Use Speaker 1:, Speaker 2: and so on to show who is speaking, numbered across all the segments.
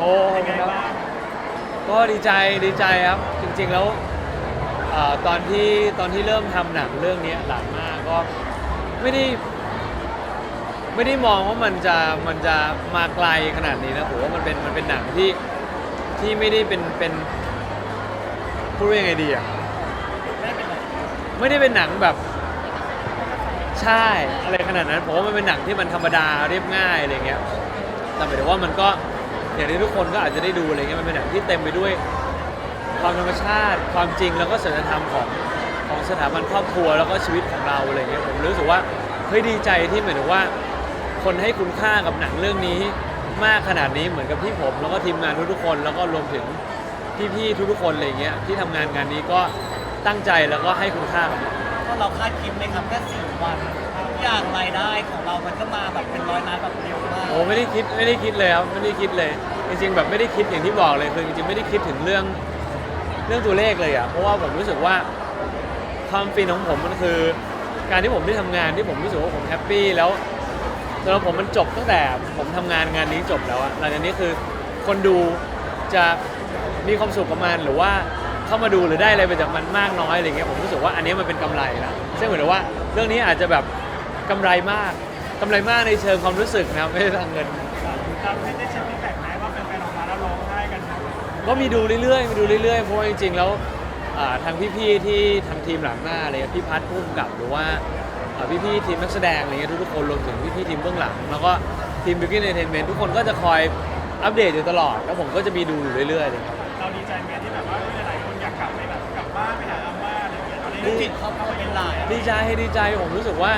Speaker 1: โอ้ครับก็ดีใจครับจริงๆแล้วตอนที่เริ่มทำหนังเรื่องนี้หลานมากก็ไม่ได้มองว่ามันจะมาไกลขนาดนี้นะผมว่ามันเป็นหนังที่ไม่ได้เป็นพูดว่ายังไงดีอ่ะไม่ได้เป็นหนังแบบใช่อะไรขนาดนั้นผมว่ามันเป็นหนังที่มันธรรมดาเรียบง่ายอะไรเงี้ยแต่หมายถึงว่ามันก็อย่างที่ทุกคนก็อาจจะได้ดูอะไรเงี้ยมันเป็นหนังที่เต็มไปด้วยความธรรมชาติความจริงแล้วก็ศีลธรรมของสถาบันครอบครัวแล้วก็ชีวิตของเราอะไรเงี้ยผมรู้สึกว่าเฮ้ยดีใจที่หมายถึงว่าคนให้คุณค่ากับหนังเรื่องนี้มากขนาดนี้เหมือนกับที่ผมแล้วก็ทีมงานทุกๆคนแล้วก็รวมถึงพี่ๆทุกๆคนอะไรเงี้ยที่ทำงานนี้ก็ตั้งใจแล้วก็ให้คุณค่ากับมัน
Speaker 2: ก็เราคาดคิดไหมครับแค่4 วันทุกอย่างรายได้ของเรามันก็มาแบบเป็นร้อยล้านแบบเร็วมาก
Speaker 1: โอ้ไม่ได้คิดเลยครับไม่ได้คิดเลยจริงๆแบบไม่ได้คิดอย่างที่บอกเลยคือจริงๆไม่ได้คิดถึงเรื่องตัวเลขเลยอ่ะเพราะว่าผมรู้สึกว่าความฟินของผมมันคือการที่ผมได้ทำงานที่ผมรู้สึกว่าผมแฮปปี้แล้วสำหรับผมมันจบตั้งแต่ผมทำงานนี้จบแล้วอะหลังจากนี้คือคนดูจะมีความสุขกับมันหรือว่าเข้ามาดูหรือได้อะไรไปจากมันมากน้อยอะไรเงี้ยผมรู้สึกว่าอันนี้มันเป็นกำไรแล้วซึ่งเหมือนว่าเรื่องนี้อาจจะแบบกำไรมากในเชิงความรู้สึกนะไม่ใช่ทางเงิน
Speaker 2: เราไม่ได้เช็คฟีดแบ็กไหมว่าเป็นแฟนออกมาแล้วร้องไห้กัน
Speaker 1: ก็มีดูเรื่อยๆเพราะว่าจริงๆแล้วทางพี่ๆที่ทางทีมหลังหน้าอะไรพี่พัฒน์ผู้กำกับหรือว่าพี่ๆทีมนักแสดงอะไรเงี้ยทุกๆคนรวมถึงพี่ๆทีมเบื้องหลังแล้วก็ทีม Beauty Entertainment ทุกคนก็จะคอยอัปเดตอยู่ตลอดแล้วผมก็จะมีดูอยู่เรื่อยๆเลยครับ
Speaker 2: เราดีใจไหมที่แบบว่าหลายคนอยากกลับไปแบบกลับบ้านไปหาอาม่าอะไรอย่างเงี้ยตอนนี้จิตเขาเป็นหลาย
Speaker 1: ดีใจผมรู้สึกว่า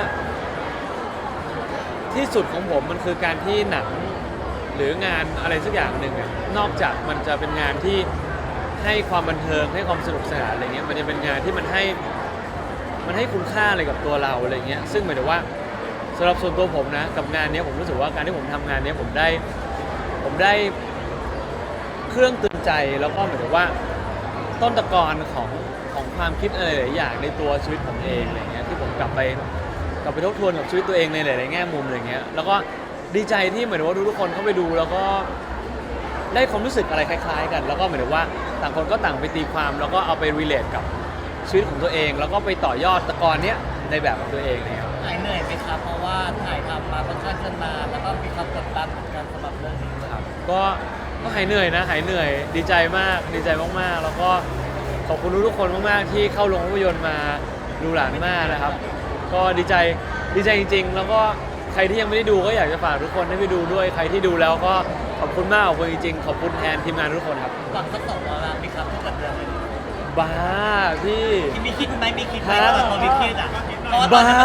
Speaker 1: ที่สุดของผมมันคือการที่หนังหรืองานอะไรสักอย่างหนึ่งนอกจากมันจะเป็นงานที่ให้ความบันเทิงให้ความสนุกสนานอะไรเงี้ยมันจะเป็นงานที่มันให้คุณค่าอะไรกับตัวเราอะไรเงี้ยซึ่งหมายถึงว่าสำหรับส่วนตัวผมนะกับงานนี้ผมรู้สึกว่าการที่ผมทำงานนี้ผมได้เครื่องเตือนใจแล้วก็หมายถึงว่าต้นตะกอนของความคิดอะไรหลายอย่างในตัวชีวิตผมเองอะไรเงี้ยที่ผมกลับไปทบทวนกับชีวิตตัวเองในหลายๆแง่มุมอะไรเงี้ยแล้วก็ดีใจที่เหมือนว่าทุกคนเข้าไปดูแล้วก็ได้ความรู้สึกอะไรคล้ายๆกันแล้วก็หมายถึงว่าต่างคนก็ต่างไปตีความแล้วก็เอาไปรีเลทกับชีวิตของตัวเองแล้วก็ไปต่อยอดตะกอนเนี้ยในแบบของตัวเองนะครับ
Speaker 2: หายเหนื่อยไหมครับเพราะว่าถ่ายทำมาค่อนข้างนานแล้วก็มีความกดดันเหมือนกันสำหรับเรื่องนี้
Speaker 1: ครับก็หายเหนื่อยดีใจมากแล้วก็ขอบคุณทุกคนมากๆที่เข้าโรงภาพยนตร์มาดูหลานมากนะครับก็ดีใจจริงๆแล้วก็ใครที่ยังไม่ได้ดูก็อยากจะฝากทุกคนให้ไปดูด้วยใครที่ดูแล้วก็ขอบคุณมากขอบคุณจริงๆขอบคุณแทนทีมงานทุกคนครับ
Speaker 2: หวังสัก2 ล้านไหมครับถ้าเกิดเดือนนี้
Speaker 1: บ้าพี่
Speaker 2: มีคิดไหมว่าเรามีคิดอ่ะ
Speaker 1: บ้า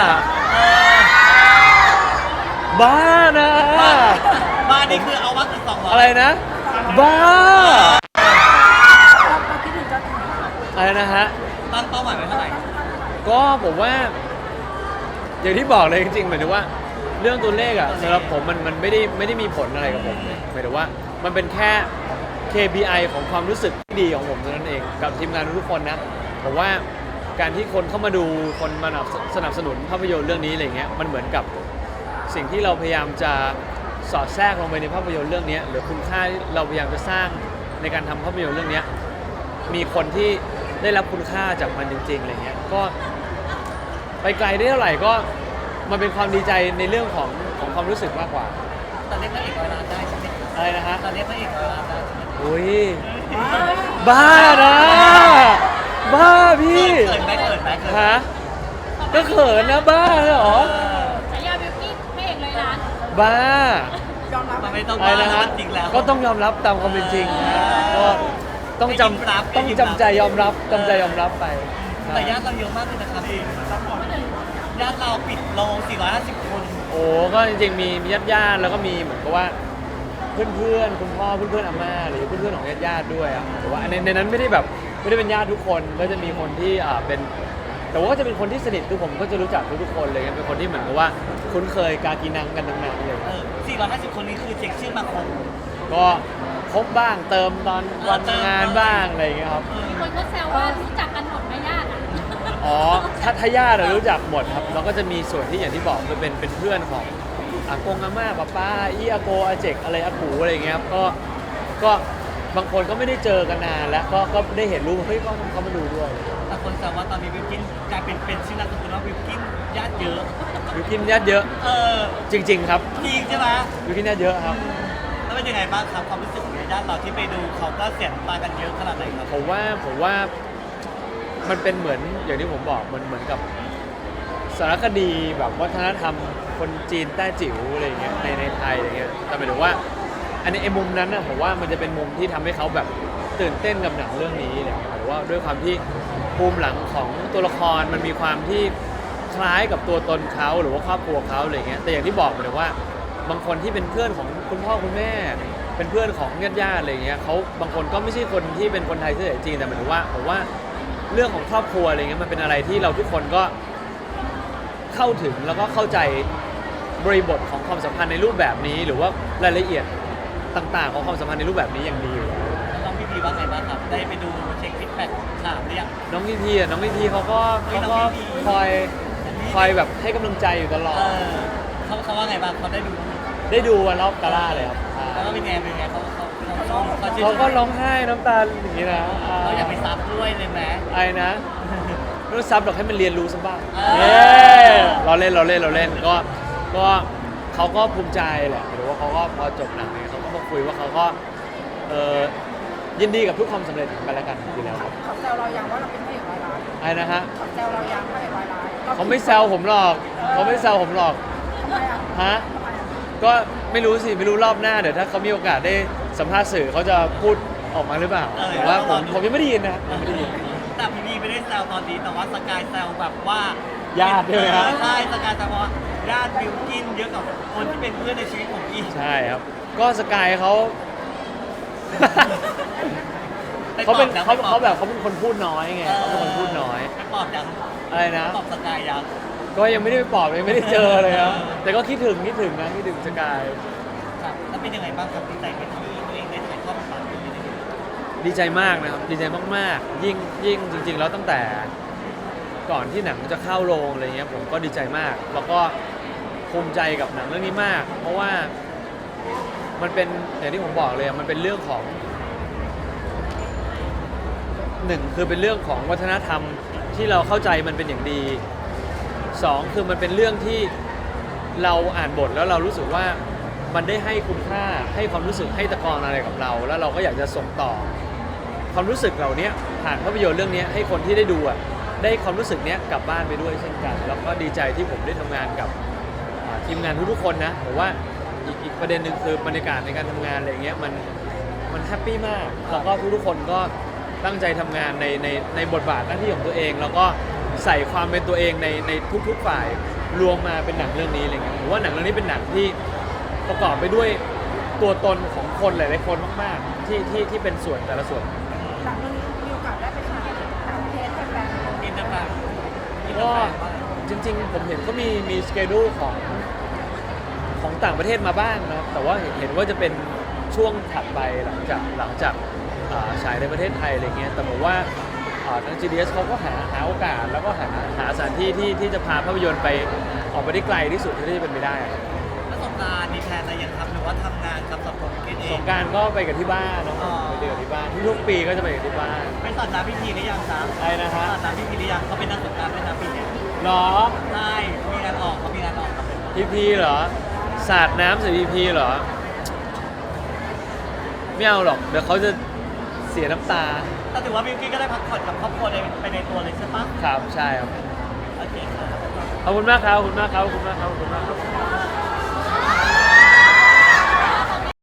Speaker 1: นะ
Speaker 2: บ้านี่คือเอาวัตถุ200
Speaker 1: อะไรนะบ้าอะไรนะฮะ
Speaker 2: ตั้งเป้าหมายไว้เท่าไหร่
Speaker 1: ก็ผมว่าอย่างที่บอกเลยจริงๆหมายถึงว่าเรื่องตัวเลขอะสำหรับผมมันไม่ได้มีผลอะไรกับผมเลยหมายถึงว่ามันเป็นแค่ KPI ของความรู้สึกที่ดีของผมเท่านั้นเองกับทีมงานทุกคนนะผมว่าการที่คนเข้ามาดูคนมาสนับสนุนภาพยนตร์เรื่องนี้อะไรเงี้ยมันเหมือนกับสิ่งที่เราพยายามจะสอดแทรกลงไปในภาพยนตร์เรื่องนี้หรือคุณค่าเราพยายามจะสร้างในการทำภาพยนตร์เรื่องนี้มีคนที่ได้รับคุณค่าจากมันจริงๆอะไรเงี้ยก็ไปไกลได้เท่าไหร่ก็มันเป็นความดีใจในเรื่องของความรู้สึกมากกว่า
Speaker 2: ตอนนี้พระเอก100 ล้านได้ใช่ไหม
Speaker 1: อะไรนะฮะ
Speaker 2: ตอนนี้พระเอก100 ล้านได้
Speaker 1: อุ้ยบ้านะบ้าพี่
Speaker 2: เขินไหม
Speaker 1: ฮะก็เขินนะบ้าเหรอ
Speaker 3: ฉายาบิวกี้พระเอก100 ล้าน
Speaker 1: บ้าย
Speaker 2: อมรับไม่ต้อง
Speaker 1: อะไรนะฮะก็ต้องยอมรับตามความเป็นจริงก็ต้องจำใจยอมรับไป
Speaker 2: แต่ญาติเราเยอะมากเลยนะครับญาติเราปิดโรง450 คน
Speaker 1: โอ้ก็จริงๆมีญาติแล้วก็มีเหมือนกับว่าเพื่อนคุณพ่อเพื่อนอาม่าหรือเพื่อนของญาติด้วยอ่ะแต่ว่าในนั้นไม่ได้เป็นญาติทุกคนก็จะมีคนที่เป็นแต่ว่าก็จะเป็นคนที่สนิททุกผมก็จะรู้จักทุกคนเลยเป็นคนที่เหมือนกับว่าคุ้นเคยกากีนังกันทั้งนั้นเลย
Speaker 2: 450 คนนี้คือเช็คชื่อมาครบ
Speaker 1: ก็ครบบ้างเติมตอนวันงานบ้างอะไรอย่างเงี้ยครับ
Speaker 3: มีคนก็แซวว่ารู้จักกันหมดไหมญาติ
Speaker 1: อ๋อถ้าญาติรู้จักหมดครับแล้วก็จะมีส่วนที่อย่างที่บอกคือเป็นเพื่อนของอากงอาม่าป้าอีอาโกอาเจกอะไรอากูอะไรอย่างเงี้ยครับก็ก็บางคนก็ไม่ได้เจอกันนานแล้วก็ได้เห็นรูปเฮ้ยเขามาดูด้วย
Speaker 2: แต่คนแซวว่าตอนนี้บิวกินกลายเป็นชื่อนามสกุลว่าบิวกินญาติเยอะ
Speaker 1: วิวกินญาติเยอะ
Speaker 2: เออ
Speaker 1: จริง ๆ ครับ
Speaker 2: จริงใช่ไหม
Speaker 1: วิวกินญาติเยอะครับ
Speaker 2: แล้วเป็นยังไงบ้างครับความรู้สึกของญาติเราที่ไปดูเขาก็เสียน้ำตากันเยอะขนาดไหนครับ
Speaker 1: ผมว่ามันเป็นเหมือนอย่างที่ผมบอกมันเหมือนกับสารคดีแบบวัฒนธรรมคนจีนแต้จิ๋วอะไรอย่างเงี้ยในไทยอะไรเงี้ยแต่หมายถึงว่าอันนี้ไอ้มุมนั้นนะผมว่ามันจะเป็นมุมที่ทำให้เขาแบบตื่นเต้นกับหนังเรื่องนี้อะไรเงี้ยหรือว่าด้วยความที่ภูมิหลังของตัวละครมันมีความที่คล้ายกับตัวตนเขาหรือว่าครอบครัวเขาอะไรเงี้ยแต่อย่างที่บอกไปเลยว่าบางคนที่เป็นเพื่อนของคุณพ่อคุณแม่ เป็นเพื่อนของญาติๆอะไรเงี้ยเขาบางคนก็ไม่ใช่คนที่เป็นคนไทยเชื้อสายจีนแต่หมายถึงว่าผมว่าเรื่องของครอบครัวอะไรเงี้ยมันเป็นอะไรที่เราทุกคนก็เข้าถึงแล้วก็เข้าใจบริบทของความสัมพันธ์ในรูปแบบนี้ หรือว่ารายละเอียดต่างๆของความสัมพันธ์ในรูปแบบนี้อย่างดีอยู่แล้ว
Speaker 2: แล้วน้องพี่พีว่าไงบ้างครับได้ไปดูเช็คฟีดแบ็กถามหรือยัง
Speaker 1: น้องพี่พีเขาก็
Speaker 2: เฮ้ยน้องพี่พี
Speaker 1: คอยแบบให้กำลังใจอยู่ตลอ
Speaker 2: เอ
Speaker 1: ด
Speaker 2: อเขาว่าไงบ้างเขาได้ดู
Speaker 1: ได้ดูวันรอบกาล่าเลยครับ
Speaker 2: แล้วก็เป็นไงเขาชมเขาชื่นช
Speaker 1: เขา
Speaker 2: ม
Speaker 1: ก็ร้องไห้น้ำตาอย่างนี้นะ
Speaker 2: เราอยากไปซับด้วยเลยไหม
Speaker 1: ไอ้นะไม่ต้องซับหรอกให้มันเรียนรู้ซะบ้าง
Speaker 2: เออ
Speaker 1: เย้เราเล่นก็เขาก็ภูมิใจแหละหรือว่าเขาก็พอจบหนังเนี่ยเขาก็มาคุยว่าเขาก็ยินดีกับทุกความสำเร็จของกันและกันอยู่แล้วครับ
Speaker 4: เขาแซวเรายังว่าเราเป็นพระเอกร้อยล้าน
Speaker 1: ไอ้นะฮะ
Speaker 4: เขาแซวเรายังพระเอกร้อยล้าน
Speaker 1: เขาไม่แซวผมหรอกเขาไม่แซวผมหรอก
Speaker 4: ทำไมอ่ะ
Speaker 1: ฮะ
Speaker 4: ทำไมอ่ะ
Speaker 1: ก็ไม่รู้สิไม่รู้รอบหน้าเดี๋ยวถ้าเขามีโอกาสได้สัมภาษณ์สื่อเขาจะพูดออกมาหรือเปล่าแต่ว่าผมยังไม่ได้ยินนะยังไม่ได้ยิน
Speaker 2: แต่พี่พีไม่ได้แซวตอนนี้แต่ว่าสกายแซวแบบว่า
Speaker 1: ญาติด้วยไหมครับ
Speaker 2: ใช่สกายแซวว่าญาติบิวกินเยอะกับคนที่เป็นเพื่อนในชีวิตผมอีก
Speaker 1: ใช่ครับ ก็สกายเขาเขาเป็นคนพูดน้อยไงเขาเป็นคนพูดน้อย
Speaker 2: ไปปอบยัง
Speaker 1: อะไรนะ
Speaker 2: ปอบสกายยัง
Speaker 1: ก็ยังไม่ได้ไปปอบยังไม่ได้เจอเลยครับแต่ก็คิดถึงนะคิดถึงสกาย
Speaker 2: ครับแล้วเป็นยังไงบ้างครับดีใจไหมที่ตัวเองได้ถ่ายทอดบทบาทนี้ได้
Speaker 1: ดีใจมากนะครับดีใจมากๆยิ่งจริง ๆ แล้วตั้งแต่ก่อนที่หนังจะเข้าโรงอะไรเงี้ยผมก็ดีใจมาก แล้วก็ภูมิใจกับหนังเรื่องนี้มาก เพราะว่ามันเป็นอย่างที่ผมบอกเลยอะมันเป็นเรื่องของหนึ่งคือเป็นเรื่องของวัฒนธรรมที่เราเข้าใจมันเป็นอย่างดีสองคือมันเป็นเรื่องที่เราอ่านบทแล้วเรารู้สึกว่ามันได้ให้คุณค่าให้ความรู้สึกให้ตะกอนอะไรกับเรา แล้วเราก็อยากจะส่งต่อความรู้สึกเหล่านี้ผ่านภาพยนตร์เรื่องนี้ให้คนที่ได้ดูอ่ะได้ความรู้สึกเนี้ยกลับบ้านไปด้วยเช่นกัน แล้วก็ดีใจที่ผมได้ทำงานกับทีมงานทุกๆคนนะผมว่าอีกประเด็นหนึ่งคือบรรยากาศในการทำงานอะไรเงี้ยมันแฮปปี้มากแล้วก็ทุกๆคนก็ตั้งใจทำงานในบทบาทหน้าที่ของตัวเอง แล้วก็ใส่ความเป็นตัวเองในทุกๆฝ่ายรวมมาเป็นหนังเรื่องนี้อะไรเงี้ยผมว่าหนังเรื่องนี้เป็นหนังที่ประกอบไปด้วยตัวตนของคนหลายๆคนมากๆที่เป็นส่วนแต่ละส่วน
Speaker 4: หลังเรื่องนี้มีโอกาสได้ไปฉายต่างประเทศให้แฟน
Speaker 2: อินเตอร์แฟน
Speaker 1: ก็จริงๆผมเห็นก็มีสเกดูของต่างประเทศมาบ้างนะครับแต่ว่าเห็นว่าจะเป็นช่วงถัดไปหลังจากฉายในประเทศไทยอะไรเงี้ยแต่ผมว่าทาง GDS เขาก็หาโอกาสแล้วก็หาสถานที่ที่จะพาภาพยนตร์ไปออกไปได้ไกลที่สุดเท่าที่จะเป็นไปได้ครับ
Speaker 2: ประสบการณ์มีแพลนอะไรยังครับหรือว่าทำงานครับสับผมกินเอ
Speaker 1: ส
Speaker 2: ง
Speaker 1: งกรารก็ไปกับที่บ้านเนาะ
Speaker 2: อ๋อ
Speaker 1: ไปเดือที่บ้านทุกๆปีก็จะไปกับที่บ้าน
Speaker 2: ไปสอนน้ำพิธีหรือยังครับ
Speaker 1: อะไรนะฮะ
Speaker 2: สอนน้ำพิธีหรือยังเขาเป็นนักสงกรารเป็นน้ำพิธี
Speaker 1: หรอ
Speaker 2: ใช่มีงานออกเขามีงานออกครับ
Speaker 1: พีเหรอสาดน้ำใส่พีเหรอไม่เอาหรอกเดี๋ยวเขาจะเสียน้ำตา
Speaker 2: แต่ถือว่าบิวกิ้นก็ได้พักผ่อนกับครอบครัวไปในตัวเลยใช่ปะ
Speaker 1: ครับใช่ครับ
Speaker 2: โอเคครับ
Speaker 1: ขอบคุณมากครับขอบคุณมากครับขอบคุณมากครับขอบคุณมากครับ